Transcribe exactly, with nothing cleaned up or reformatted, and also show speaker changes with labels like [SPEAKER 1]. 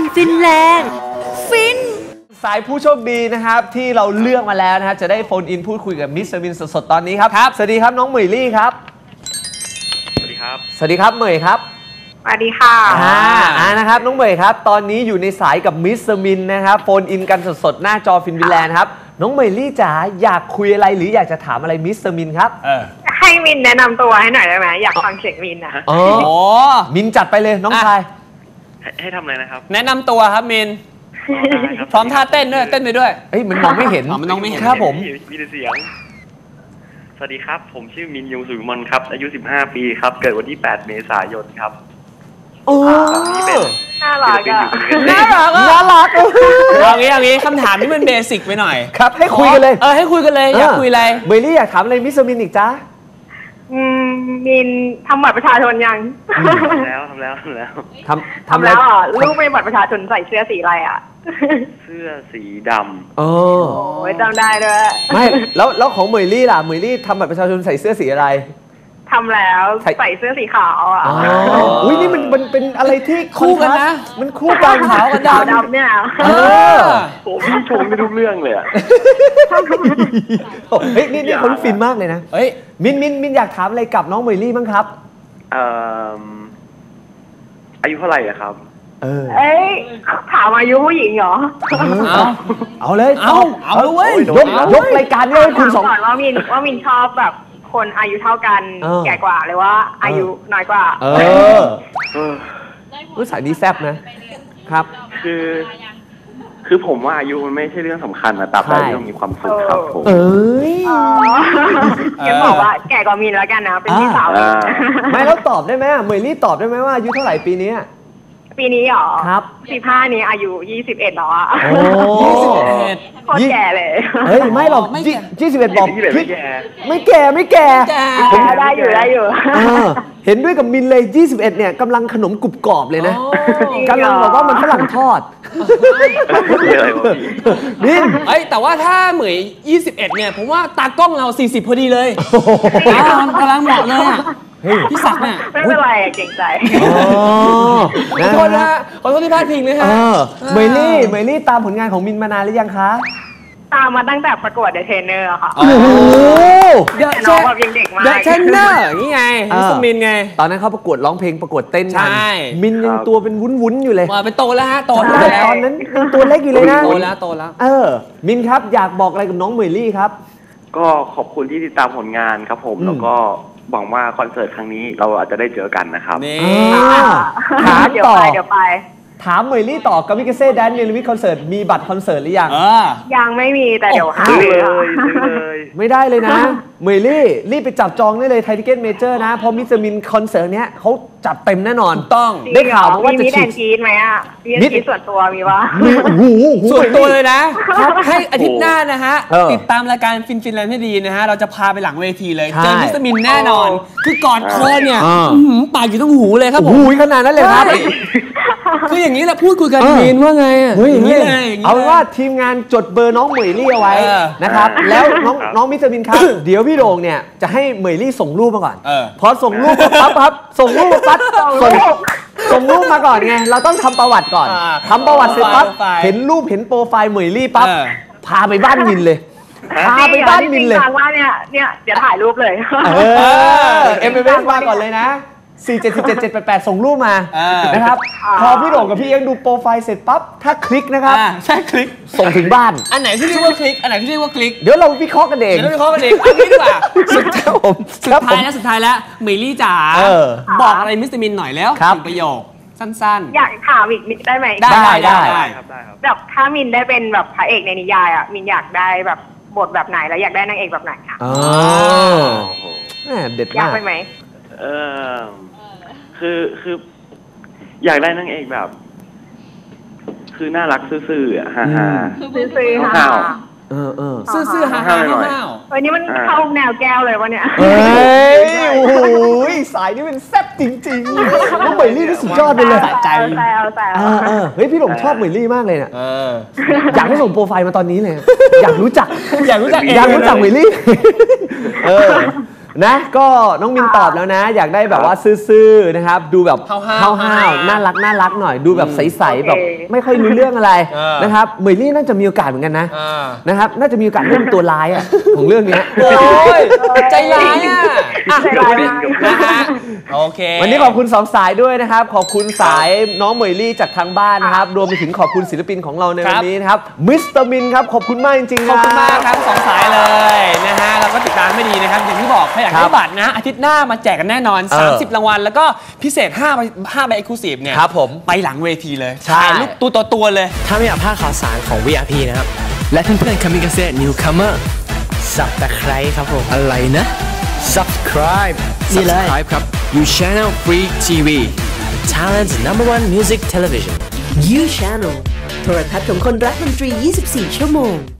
[SPEAKER 1] ฟินแลนด์ฟิน
[SPEAKER 2] สายผู้โชคดีนะครับที่เราเลือกมาแล้วนะครับจะได้โฟนอินพูดคุยกับมิสเตอร์วินสดๆตอนนี้ครับครับสวัสดีครับน้องเหมยลี่ครับ
[SPEAKER 3] สวัสดีครับ
[SPEAKER 2] สวัสดีครับเหมยครับ
[SPEAKER 4] สวัสดีค่ะ
[SPEAKER 2] อ่าอ่านะครับน้องเหมยครับตอนนี้อยู่ในสายกับมิสเตอร์วินนะครับโฟนอินกันสดๆหน้าจอฟินวินแลนด์ครับน้องเหมยลี่จ๋าอยากคุยอะไรหรืออยากจะถามอะไรมิสเตอร์วินครับ
[SPEAKER 4] เออให้มินแนะนำตัวให้หน่อยได้ไหมอยากฟังเสียงมินนะ
[SPEAKER 2] อ๋อมินจัดไปเลยน้องชาย
[SPEAKER 3] ให้ทำอะไรนะครับ
[SPEAKER 5] แนะนำตัวครับมินพร้อมท่าเต้นด้วยเต้นไปด้วย
[SPEAKER 2] เอ้ยมันมองไม่เห็น
[SPEAKER 5] มันมองไม่เห็น
[SPEAKER 2] ครับผม
[SPEAKER 3] มีแต่เสียงสวัสดีครับผมชื่อมินยงสุวิมลครับอายุสิบห้าปีครับเกิดวันที่แปดเมษายนครับ
[SPEAKER 2] โอ้
[SPEAKER 4] น่ารักอ่ะ
[SPEAKER 5] น่ารักน่ารักเอางี้เอางี้คำถามนี้มันเบสิกไปหน่อย
[SPEAKER 2] ครับให้คุยกันเลย
[SPEAKER 5] เออให้คุยกันเลยอยากคุยอะไร
[SPEAKER 2] เมลี่อยากถามอะไรมิสเตอร์มินอีกจ้า
[SPEAKER 4] อืมมินทำบัตรประชาชนยัง
[SPEAKER 3] ทำแล้วทำแล้วทำแล้ว
[SPEAKER 2] ทำ
[SPEAKER 4] ทำแล้วอ่ะลูกเป็นบัตรประชาชนใส่เสื้อสีอะไรอ่ะ
[SPEAKER 3] เสื้อสีดำ
[SPEAKER 2] โอ้
[SPEAKER 4] ยจำได้ด้วย
[SPEAKER 2] ไม่แล้วแล้วของเหมยลี่ล่ะเหมยลี่ทำบัตรประชาชนใส่เสื้อสีอะไร
[SPEAKER 4] ทำแล้วใส่เสื้อสีขาวอ่ะ
[SPEAKER 2] อุ้ยนี่มันมันเป็นอะไรที่
[SPEAKER 5] คู่กันนะ
[SPEAKER 2] มันคู่กันขาวกับ
[SPEAKER 4] ดำเนี่ย
[SPEAKER 3] โอ้พี่ชมไม่ทุกเรื่องเลยอ่ะ
[SPEAKER 2] เฮ้ยนี่นี่เขาฟินมากเลยนะ
[SPEAKER 5] เฮ้ย
[SPEAKER 2] มินมินมินอยากถามอะไรกับน้องเหมยลี่บ้างครับ
[SPEAKER 3] เอ่ออายุเท่าไหร่อะครับ
[SPEAKER 2] เออ
[SPEAKER 4] เอ้ยถามอายุผู้หญิงเหรอ
[SPEAKER 2] เอาเอาเลย
[SPEAKER 5] เอาเอาเลย
[SPEAKER 2] ยกยกรายการเลยคุณสอง
[SPEAKER 4] ก่อนว่ามินว่ามินชอบแบบคนอายุเท่ากันแก่กว่าหรือว่าอายุน้อยกว่า
[SPEAKER 2] เออรู้สายนี้แซ่บนะครับ
[SPEAKER 3] คือคือผมว่าอายุมันไม่ใช่เรื่องสำคัญนะแต่เราต้องมีความสุขครับผม
[SPEAKER 2] เอ้ย
[SPEAKER 4] งั้นบอกว่าแก่กว่ามินแล้วกันนะเป็นพี่สาว
[SPEAKER 2] ไม่แล้วตอบได้ไหมเหมยลี่ตอบได้ไหมว่าอายุเท่าไหร่ปีนี้
[SPEAKER 4] ปีนี้หรอ
[SPEAKER 2] ครับ
[SPEAKER 4] สิบห้านี้อายุยี่สิบเอ็ดแล้วอ่ะ
[SPEAKER 2] โอ้
[SPEAKER 5] ยี่สิบเอ็ด
[SPEAKER 4] โคตรแก่เลย
[SPEAKER 2] เฮ้ยไม่หรอกยี่สิบเอ็ดบอก
[SPEAKER 3] ไม่แก่
[SPEAKER 2] ไม่แก่ไม่แก่
[SPEAKER 4] ผมได้อยู่ได้อยู่
[SPEAKER 2] เห็นด้วยกับมินเลยยี่สิบเอ็ดเนี่ยกำลังขนมกรุบกรอบเลยนะกำลังบอกว่ามันฝรั่งทอด
[SPEAKER 5] มินเอ้ยแต่ว่าถ้าเหมยยี่สิบเอ็ดเนี่ยผมว่าตากล้องเราสี่สิบพอดีเลยกำลังเหมาะเลยอ่ะพี่ศักดิ์เนี่ย
[SPEAKER 4] ไม่เป็นไรเก่งใจ
[SPEAKER 5] ขอโทษนะขอโทษที่พลาดพิงเลยฮะ
[SPEAKER 2] เมลี่เมลี่ตามผลงานของมินมานานหรือยังคะ
[SPEAKER 4] ตามมาตั้งแต่ประกวดเดอะเทรนเนอร์ค่ะ
[SPEAKER 2] โอ้โห
[SPEAKER 5] เดอะ
[SPEAKER 4] น้องแบบยังเด็กมาก
[SPEAKER 5] เดอะเทรนเนอร์นี่ไงมิสมินไง
[SPEAKER 2] ตอนนั้นเขาประกวดร้องเพลงประกวดเต้น
[SPEAKER 5] กัน
[SPEAKER 2] มินยังตัวเป็นวุ้นๆอยู่เลย
[SPEAKER 5] มาเป็นโตแล้วฮะโตแล้ว
[SPEAKER 2] ตอนนั้นตัวเล็กอยู่เลยนะ
[SPEAKER 5] โตแล้วโตแล้ว
[SPEAKER 2] เออมินครับอยากบอกอะไรกับน้องเมลี่ครับ
[SPEAKER 3] ก็ขอบคุณที่ติดตามผลงานครับผมแล้วก็หวังว่าคอนเสิร์ตครั้งนี้เราอาจจะได้เจอกันนะครับ
[SPEAKER 2] ถามต่อ
[SPEAKER 4] เดี๋ยวไป
[SPEAKER 2] ถามเมลี่ต่อกับมิกาเซ่แดนเนลวิทคอนเสิร์ตมีบัตรคอนเสิร์ตหรือยัง
[SPEAKER 4] ยังไม่มีแต่เดี๋ยวหา
[SPEAKER 3] เลย
[SPEAKER 2] ไม่ได้เลยนะเมลี่รีบไปจับจองได้เลยไททิเก็ตเมเจอร์นะเพราะมิสมินคอนเสิร์ตเนี้ยเขาจัดเต็มแน่นอน
[SPEAKER 5] ต้อง
[SPEAKER 2] ได้ข่าวมาว่าจะ
[SPEAKER 4] ฉีดกีดไหมอ่ะมีกีดส่วนตัวมีวะ
[SPEAKER 2] มีหู
[SPEAKER 5] ส่วนตัวเลยนะให้อาทิตย์หน้านะฮะติดตามรายการฟินฟินแลนด์ให้ดีนะฮะเราจะพาไปหลังเวทีเลยเจอมิสมินแน่นอนคือกอดคอเนี่ยปากอยู่ตรงหูเลยครับผม
[SPEAKER 2] หูขนาดนั้นเลยครับ
[SPEAKER 5] คืออย่างนี้แหละพูดคุยกันมินว่าไงอ่ะ
[SPEAKER 2] อย่างนี้เลยเอาว่าทีมงานจดเบอร์น้องเหมยลี่เอาไว้นะครับแล้วน้องน้องมิสมินครับเดี๋ยวพี่โด่งเนี่ยจะให้เหมยลี่ส่งรูปมาก่อนพอส่งรูปปั๊บปั๊บส่งรูปปั๊บส่งส่งรูปมาก่อนไงเราต้องทำประวัติก่อนทำประวัติเสร็จปั๊บเห็นรูปเห็นโปรไฟล์เหมยลี่ปั๊บพาไปบ้านมินเลยพาไปบ้านมินเลย
[SPEAKER 4] ว่าเนี่ยเนี่ยเดี๋ยวถ่ายรูปเลย
[SPEAKER 2] เออเอ็มเอสมาก่อนเลยนะสี่ เจ็ด เจ็ด เจ็ด แปด แปดส่งรูปมานะครับพอพี่โด่งกับพี่เอ็งดูโปรไฟล์เสร็จปั๊บถ้าคลิกนะครับ
[SPEAKER 5] ใช่คลิก
[SPEAKER 2] ส่งถึงบ้าน
[SPEAKER 5] อันไหนที่เรียกว่าคลิกอันไหนที่เรียกว่าคลิก
[SPEAKER 2] เดี๋ยวเราวิเคราะห์กันเอง
[SPEAKER 5] เดี๋ยวเราวิเคราะห์กันเองอันนี้ดีกว่า
[SPEAKER 2] สุดท้ายผม
[SPEAKER 5] สุดท้ายแล้วสุดท้ายแล้วเมลี่จ๋าบอกอะไรมิสเตอร์มินหน่อยแล้วถึงประโยคสั้น
[SPEAKER 4] ๆอยากถามอีกได้ไหม
[SPEAKER 5] ได้ได้
[SPEAKER 3] ได้ครับได้ครับ
[SPEAKER 4] แบบถ้ามินได้เป็นแบบพระเอกในนิยายอ่ะมินอยากได้แบบบทแบบไหนแล้วอยากได้นางเอกแบบไหนอ่ะ
[SPEAKER 2] อ๋อเด็ดมาก
[SPEAKER 4] อยากไปไหม
[SPEAKER 3] เออคือคืออยากได้นางเอกแบบคือน่ารักซื่อๆอ่ะฮ่าฮ่า
[SPEAKER 4] ซื่อๆฮ่า
[SPEAKER 2] เออเออ
[SPEAKER 5] ซื่อๆฮ่าฮ่าฮ่า
[SPEAKER 4] เฮ้ยนี่มันเข้าแนวแก้วเลยวะเนี่ย
[SPEAKER 2] เฮ้ยโอ้โหสายนี่เป็นแซ่บจริงๆน้องเหมยลี่นี่สุดยอดไปเลย
[SPEAKER 4] ใจแซวแซว
[SPEAKER 2] เฮ้ยพี่หลงชอบเหมยลี่มากเลยเนี่ยอยากให้ส่งโปรไฟล์มาตอนนี้เลยอยากรู้จัก
[SPEAKER 5] อยากรู้จัก
[SPEAKER 2] อยากรู้จักเหมยลี่เออนะก็น้องมินตอบแล้วนะ อยากได้แบบว่าซื่อๆนะครับดูแบบ
[SPEAKER 5] ห้าวๆ
[SPEAKER 2] ห้าวๆน่ารักน่ารักหน่อยดูแบบใสๆแบบไม่ค่อยรู้เรื่องอะไร
[SPEAKER 5] เออ
[SPEAKER 2] นะครับเหมยลี่น่าจะมีโอกาสเหมือนกันนะ
[SPEAKER 5] อ่า
[SPEAKER 2] นะครับน่าจะมีโอกาสเล่นตัวร้ายอ่ะของเรื่องเนี้ย
[SPEAKER 5] โอ้ยใจร้ายอ่ะอ่ะ
[SPEAKER 4] ใจร้าย
[SPEAKER 5] นะฮะโอเค
[SPEAKER 2] วันนี้ขอบคุณสองสายด้วยนะครับขอบคุณสายน้องเหมยลี่จากทางบ้านนะครับรวมไปถึงขอบคุณศิลปินของเราในวันนี้นะครับมิสเตอร์มินครับขอบคุณมากจริงๆ
[SPEAKER 5] ขอบคุณมากครับสองสายเลยนะฮะเราก็ติดตามไม่ดีนะครับอย่างที่บอกใครอยากได้บัตรนะอาทิตย์หน้ามาแจกกันแน่นอน
[SPEAKER 2] เออ
[SPEAKER 5] สามสิบ รางวัลแล้วก็พิเศษ5ใบ5ใบ Exclusive เนี่ย
[SPEAKER 2] ครับผม
[SPEAKER 5] ไปหลังเวทีเลย
[SPEAKER 2] ใช่
[SPEAKER 5] ถ่ายรูปตัวต่อตัวเลย
[SPEAKER 6] ถ้าไม่อยากพลาดข่าวสารของ วี ไอ พี นะครับ และเพื่อนๆ Kamikaze Newcomer Subscribe ครับผม อะไรนะ Subscribe นี่เลย Subscribe ครับ You Channel Free ที วี Thailand's number one music television
[SPEAKER 1] You Channel โทรทัศน์ของคนรักดนตรี ยี่สิบสี่ ชั่วโมง